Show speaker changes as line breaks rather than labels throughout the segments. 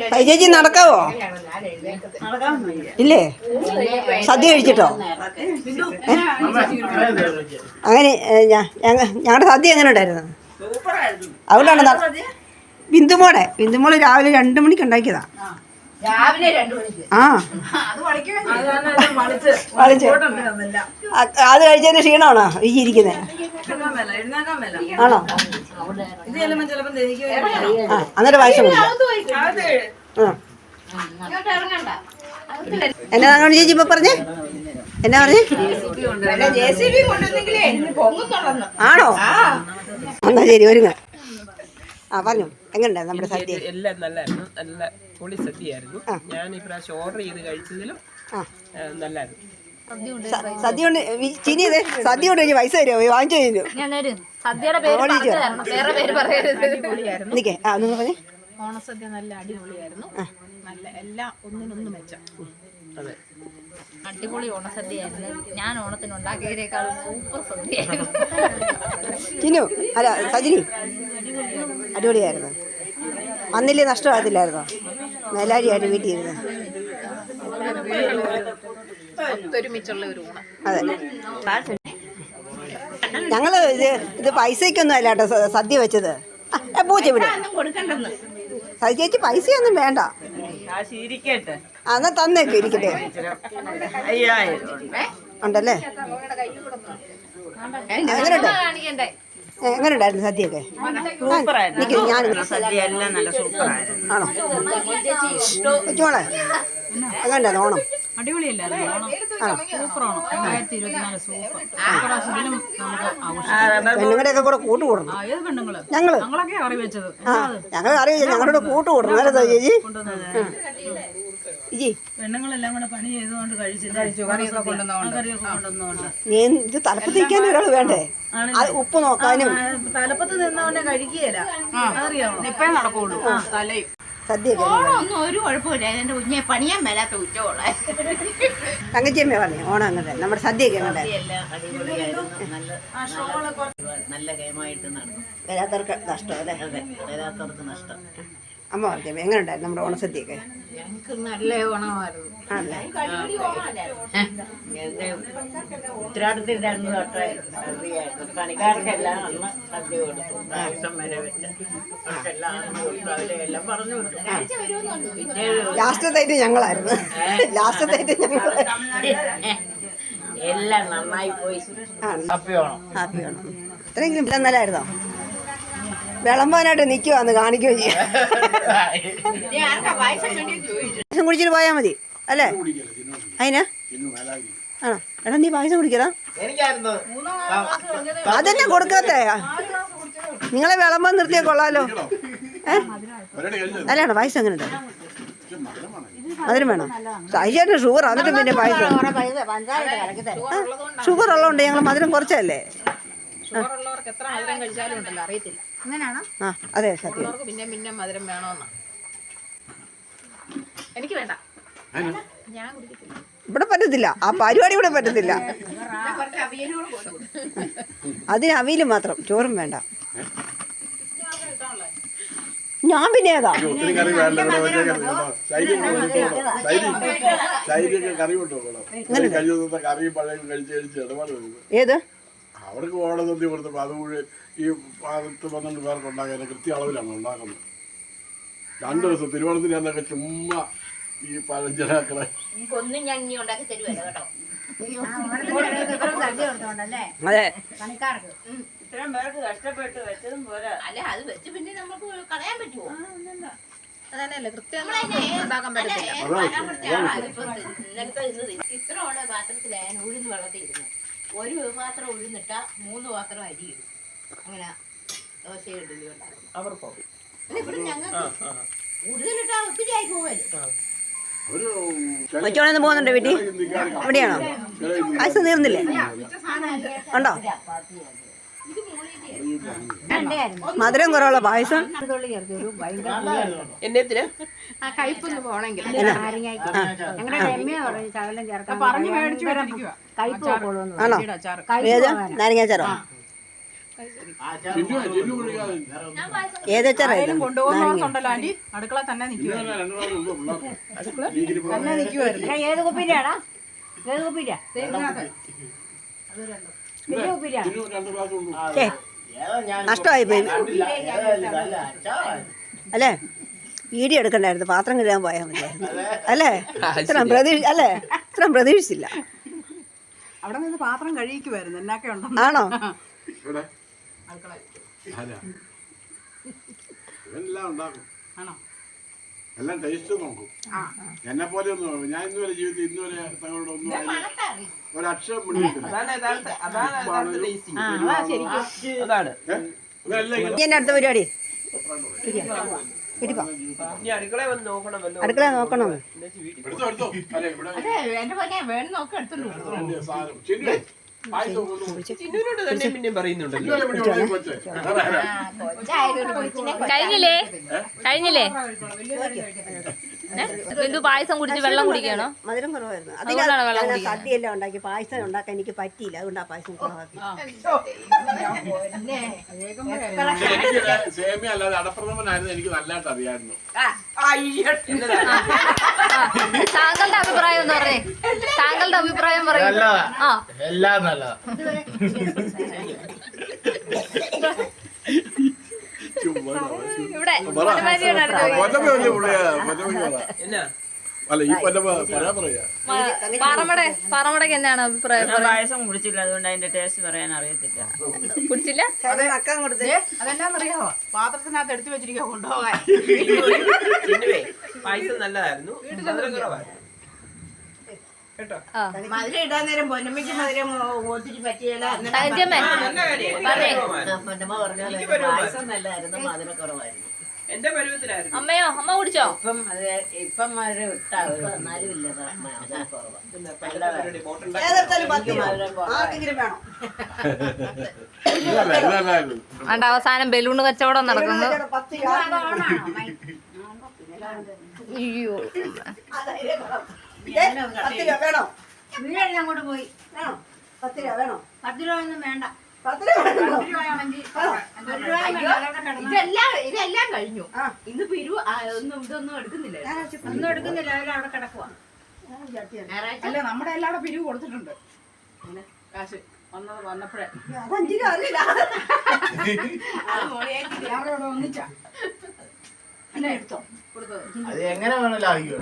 ചേച്ചി നടക്കാവോ? ഇല്ലേ? സദ്യ കഴിച്ചിട്ടോ? അങ്ങനെ ഞങ്ങളുടെ സദ്യ എങ്ങനെ ഉണ്ടായിരുന്നു? അതുകൊണ്ടാണ് ബിന്ദുമോള് രാവിലെ 2 മണിക്ക് ഉണ്ടാക്കിയതാ. അത് കഴിച്ചതിന് ക്ഷീണമാണോ ഈ ഇരിക്കുന്നത്? ആണോ? അന്നേരം പായസം എന്നാ അങ്ങനെ ചേച്ചി ഇപ്പൊ പറഞ്ഞേ? എന്നാ പറഞ്ഞേ? ആണോ? എന്നാ ശരി ഒരുങ്ങ. പറഞ്ഞു എങ്ങനെയുണ്ടായിരുന്നു നമ്മുടെ സദ്യ?
എല്ലാം നല്ലായിരുന്നു, നല്ല പൊളി സദ്യയായിരുന്നു. ഞാൻ ഈ പ്രാവശ്യം ഓർഡർ ചെയ്ത് കഴിച്ചതിലും നല്ലായിരുന്നു.
സദ്യ കൊണ്ട് ചിനിയത് സദ്യ കൊണ്ട് പൈസ തരുമോ? വാങ്ങിച്ചു കഴിഞ്ഞു. നിക്കേ നിങ്ങൾ പറഞ്ഞേ.
ഓണസദ്യ നല്ല അടിപൊളിയായിരുന്നു. നല്ല എല്ലാം ഒന്നിനൊന്നും മെച്ചം. അടിപൊളി ഓണസദ്യയായിരുന്നു. ഞാൻ ഓണത്തിന് ഉണ്ടാക്കിയതിനേക്കാൾ സൂപ്പർ സദ്യയായിരുന്നു.
ചിന്നു അല്ല സജിനി അടിപൊളിയായിരുന്നു. അന്നില്ലേ നഷ്ടമാകത്തില്ലായിരുന്നോ? മേലാരിയായിട്ട് വീട്ടിൽ ഇരുന്ന്
ഒത്തൊരുമിച്ചുള്ള ഒരു ഊണ്.
അതെ. ഞങ്ങള് ഇത് പൈസക്കൊന്നും അല്ല കേട്ടോ സദ്യ വെച്ചത്. പൂച്ച ഇവിടെ ചേച്ചി പൈസയൊന്നും വേണ്ട. എന്നാ തന്നേക്കും ഇരിക്കട്ടെ. ഉണ്ടല്ലേ? എങ്ങനെയുണ്ടായിരുന്നു സദ്യയൊക്കെ? ആണോ വെച്ചോളെ? എങ്ങനെയുണ്ടായിരുന്നു ഓണം? പെണ്ണുങ്ങളുടെയൊക്കെ കൂടെ കൂട്ടുകൂടണം. ഞങ്ങള് അറിയില്ല, ഞങ്ങളുടെ കൂട്ട് കൂടണം. നേരത്തെ ചേച്ചി
പെണ്ണുങ്ങളെല്ലാം കൂടെ പണി ചെയ്തുകൊണ്ട്
ഇത് തലപ്പത്ത് നിൽക്കാൻ ഒരാൾ വേണ്ടേ? ഉപ്പ് നോക്കാനും
തലപ്പത്ത് നിന്നവനെ കഴിക്കുകയില്ല. അറിയാമോ? ഇപ്പഴേ നടക്കുള്ളൂ തലയും
സദ്യയൊക്കെ.
ഒന്നും ഒരു കുഴപ്പമില്ല. എന്റെ കുഞ്ഞെ പണിയാൻ മേലാത്ത ഉച്ചോളെ.
തങ്കച്ചിയമ്മ പറഞ്ഞു ഓണം അങ്ങനെ നമ്മുടെ സദ്യയൊക്കെ അങ്ങനെ
നല്ല ഗെയിമായിട്ട് നടന്നു.
വരാത്തവർക്ക് നഷ്ടം അല്ലേ?
വരാത്തവർക്ക് നഷ്ടം.
അമ്മ പറഞ്ഞു എങ്ങനെ ഉണ്ടായിരുന്നു നമ്മുടെ ഓണസദ്യയൊക്കെ?
ഞങ്ങൾക്ക് നല്ല ഓണമായിരുന്നു.
ആണല്ലേ?
എന്റെ ഉത്തരാടത്തിന്റെ അന്ന് തൊട്ടായിരുന്നു സദ്യയായിരുന്നു. പണിക്കാർക്കെല്ലാം അന്ന് സദ്യ കൊടുത്തു. പായസം വരെ വെച്ച് അവരെല്ലാം പറഞ്ഞു വിട്ടു. പിന്നെ
ലാസ്റ്റത്തായിട്ട് ഞങ്ങളായിരുന്നു.
എല്ലാം നന്നായി പോയി. ഹാപ്പി ഓണം.
ഇത്രയെങ്കിലും നല്ലതായിരുന്നോ? വിളമ്പാനായിട്ട് നിൽക്കുവാന്ന് കാണിക്കുകയും ചെയ്യാം. പായസം കുടിച്ചിട്ട് പോയാൽ മതി അല്ലേ? അതിനാ? ആണോ? എടാ നീ പായസം കുടിക്കടാ. അതെന്നെ കൊടുക്കാത്തേ? നിങ്ങളെ വിളമ്പാൻ നിർത്തിയാൽ കൊള്ളാലോ. അല്ലാണോ? പായസം എങ്ങനെ ഉണ്ട്? മധുരം വേണം. സഹിച്ചേട്ടന് ഷുഗർ എന്നിട്ട് പിന്നെ പായസം. ഷുഗർ ഉള്ളതുകൊണ്ട് ഞങ്ങൾ മധുരം കുറച്ചല്ലേ.
ഷുഗറുള്ളവർക്ക് എത്ര മധുരം കഴിച്ചാലും ഉണ്ടല്ലോ അറിയത്തില്ല. അങ്ങനെയാണോ?
ആ അതെ സത്യം.
പിന്നെ മധുരം വേണമെന്നാ. എനിക്ക് വേണ്ട, ഞാൻ കുടിക്കത്തില്ല.
ഇവിടെ പറ്റത്തില്ല, ആ പരിപാടി ഇവിടെ പറ്റത്തില്ല. അതിന് അവിയൽ മാത്രം, ചോറും വേണ്ട. ഞാൻ പിന്നെ ഏതാ ഏത്
അവർക്ക് ഓണസദ്യ കൊടുത്തപ്പോൾ അത് മുഴുവൻ ഈ 10-12 പേർക്ക് ഉണ്ടാക്കാൻ കൃത്യ അളവിലാണ് ഉണ്ടാക്കുന്നത്. 2 ദിവസം തിരുവോണത്തിന് എന്നൊക്കെ ചുമ്മാ ഈ പഴഞ്ചനാക്കളെ
അതെ
ഇത്രയും പേർക്ക് കഷ്ടപ്പെട്ട് വെച്ചതും പോരാ.
അല്ല അത് വെച്ച് പിന്നെ നമുക്ക് കളയാൻ പറ്റുമോ? അതന്നെയല്ലേ കൃത്യം ഉണ്ടാക്കാൻ പറ്റത്തില്ല. ഇത്ര ഉള്ള പാത്രത്തിലായാലും ഉഴുന്ന് വെള്ളത്തിൽ ഇരുന്നു. 1 പാത്രം ഉഴുന്നിട്ടാ 3 പാത്രം അരി ഇടും. അങ്ങനെ ദോശ ഇഡലി ഉണ്ടാക്കും. ഇവിടെ ഞങ്ങൾക്ക് കൂടുതലിട്ടാ ഒത്തിരി ആയി പോവല്ലോ.
കൊച്ചോണെന്ന് പോകുന്നുണ്ടോ വീട്ടിൽ? എവിടെയാണോ? പായസം തീർന്നില്ലേ? ഉണ്ടോ? മധുരം കുറവുള്ള പായസം.
കയ്പൊന്ന് പോണെങ്കിൽ
ആണോ? ഏത് നാരങ്ങാച്ചാറോ?
ചിന്നു ചിന്നു കുടിക്കാതെ
ഏതച്ചാറായിരുന്നു
കൊണ്ടുപോകുന്നവർക്കുണ്ടല്ലോ ആന്റി അടുക്കള തന്നെ നിൽക്കുക
രണ്ടു പ്രാവശ്യം ഉള്ളൂ പിള്ളേർക്ക്
തന്നെ നിൽക്കുമായിരുന്നു.
ഏത് കുപ്പിയിലാടാ? ഏത് കുപ്പിയിലാ?
ചിന്നു 2 ഗ്ലാസ് ഉള്ളൂ.
നഷ്ടമായി പോയി അല്ലേ? വീഡിയോ എടുക്കണ്ടായിരുന്നു, പാത്രം കഴുകാൻ പോയാൽ മതിയായിരുന്നു അല്ലേ? ഇത്രയും പ്രതീക്ഷിച്ചില്ല.
അവിടെ നിന്ന് പാത്രം കഴിക്കുമായിരുന്നു. എന്നൊക്കെ ഉണ്ടോ?
ആണോ?
ഇവിടെ ആരാ? ഇവനെല്ലാം ഉണ്ടാക്കും.
ആണോ?
എല്ലാം ടേസ്റ്റ് നോക്കും. എന്നെ പോലെ ഒന്നും ഞാൻ ഇന്നുവരെ ജീവിതത്തിൽ ഇന്നുവരെ തങ്ങളോട് ഒന്നും ഒരക്ഷരം മുന്നിട്ടില്ല.
അതാണ്
എന്നെ അടുത്ത പരിപാടി
ഇനി അടുക്കളയിൽ വന്ന് നോക്കണമല്ലോ.
അടുക്കള നോക്കണോ?
എടുത്തോ എടുത്തോ. അല്ലെ ഇവിടെ
എന്റെ പോലെ വേണം നോക്കി എടുത്തോളൂ.
വലിയ സാധനം. ചിന്നു പായസം കൊണ്ടുപോകും.
ചിന്നുവിനോട് തന്നെ പിന്നെയും പറയുന്നുണ്ടല്ലോ.
ഇന്നലെ ഇവിടെ ഉള്ളത് കൊച്ചേ.
കഴിഞ്ഞില്ലേ ബിന്ദു പായസം കുടിച്ച് വെള്ളം കുടിക്കണോ?
മധുരം കുറവായിരുന്നു.
അതുകൊണ്ടാണ് വെള്ളം
അതിൽ
കുടിക്കുന്നത്.
സദ്യയെല്ലാം ഉണ്ടാക്കി പായസം ഉണ്ടാക്കാൻ എനിക്ക് പറ്റിയില്ല, അതുകൊണ്ട് ആ പായസം കുറവാക്കി.
എനിക്ക് സേമിയ അല്ലാതെ അടപ്രഥമനായിരുന്നു എനിക്ക് നല്ലതായിട്ട് അറിയായിരുന്നു.
താങ്കളുടെ അഭിപ്രായം എന്ന് പറഞ്ഞേ, താങ്കളുടെ അഭിപ്രായം പറയും. ആ
എല്ലാം നല്ലതാ.
ഇവിടെ
എന്നാ
അല്ല ഈ പൊന്നമ്മ പറയാ
പാറമടയ്ക്ക് എന്താണ് അഭിപ്രായം?
പായസം കുടിച്ചില്ല, അതുകൊണ്ട് അതിന്റെ ടേസ്റ്റ് പറയാൻ അറിയത്തില്ല.
കുടിച്ചില്ല?
നക്കാൻ കൊടുത്ത്
അതെന്നാന്നറിയാമോ? പാത്രത്തിനകത്ത് എടുത്തു വെച്ചിരിക്കുക കൊണ്ടുപോകാൻ.
ചിന്നുവേ പായസം നല്ലതായിരുന്നു, മധുരം കുറവായിരുന്നു കേട്ടോ.
മധുരം ഇടാൻ നേരം പൊന്നമ്മയ്ക്ക് മധുരം ഒത്തിരി പറ്റിയല്ല.
തങ്കച്ചമ്മേ
നല്ല
പറഞ്ഞേ.
പൊന്നമ്മ പറഞ്ഞാൽ പായസം നല്ലതായിരുന്നു, മധുരക്കുറവായിരുന്നു.
എന്റെ പരുവത്തിലായിരുന്നു.
അമ്മയോ? അമ്മ കുടിച്ചോ?
ഇപ്പം മധുരം ഇട്ടാ എന്നാലും ഇല്ല മധുരക്കുറവ്.
ഏതെടുത്താലും 10 രൂപ. ആർക്കെങ്കിലും വേണോ?
അണ്ട അവസാനം ബലൂണ് കച്ചവടം നടക്കുന്നു.
10 രൂപ.
അയ്യോ
10 രൂപ വേണോ?
വീഴ അങ്ങോട്ട് പോയി.
വേണോ? 10 രൂപ വേണോ?
10 രൂപ ഒന്നും വേണ്ട.
10 രൂപ വേണോ?
ഇതെല്ലാം കഴിഞ്ഞു. ഇന്ന് പിരിവ് ഇതൊന്നും എടുക്കുന്നില്ല. ഒന്നും എടുക്കുന്നില്ല. അവരവിടെ കിടക്കുവാ.
അല്ല, നമ്മുടെ എല്ലാവരും പിരിവ് കൊടുത്തിട്ടുണ്ട്. കാശ് വന്നപ്പോഴേ
അത് 5 രൂപ അറിയില്ല.
എല്ലാവരോടും ഒന്നിച്ചാ എന്നെ എടുത്തോ കൊടുത്തത്.
അത് എങ്ങനെ വേണമല്ലോ ആയിക്കോ.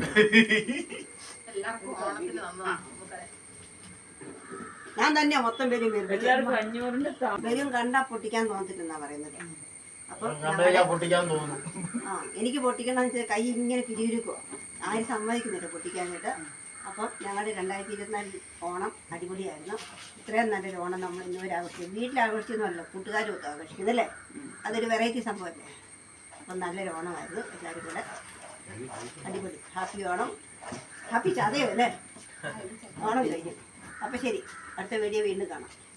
ഞാൻ തന്നെ മൊത്തം പേരും
എല്ലാവർക്കും 500-ന്റെ
വരും കണ്ടാ പൊട്ടിക്കാൻ തോന്നത്തില്ലെന്നാ പറയുന്നത്. അപ്പൊ
പൊട്ടിക്കാൻ തോന്നുന്നു.
എനിക്ക് പൊട്ടിക്കണമെന്ന് വെച്ചാൽ കൈ ഇങ്ങനെ പിരിവിരിക്കുവോ, ആരും സമ്മതിക്കുന്നില്ല പൊട്ടിക്കാനായിട്ട്. അപ്പം ഞങ്ങളുടെ 2024 ഓണം അടിപൊളിയായിരുന്നു. ഇത്രയും നല്ലൊരു ഓണം നമ്മൾ ഇന്നുവരെ ആഘോഷിക്കും. വീട്ടിൽ ആഘോഷിച്ചൊന്നുമല്ല, കൂട്ടുകാരും ഒക്കെ ആഘോഷിക്കുന്നല്ലേ. അതൊരു വെറൈറ്റി സംഭവമല്ലേ. അപ്പം നല്ലൊരു ഓണമായിരുന്നു. എല്ലാവരും കൂടെ അടിപൊളി. ഹാപ്പി ഓണം. ഹാപ്പി ചതയോ അല്ലേ? ഓണം കഴിഞ്ഞു. അപ്പം ശരി, അടുത്ത വീഡിയോ വീണ്ടും കാണാം.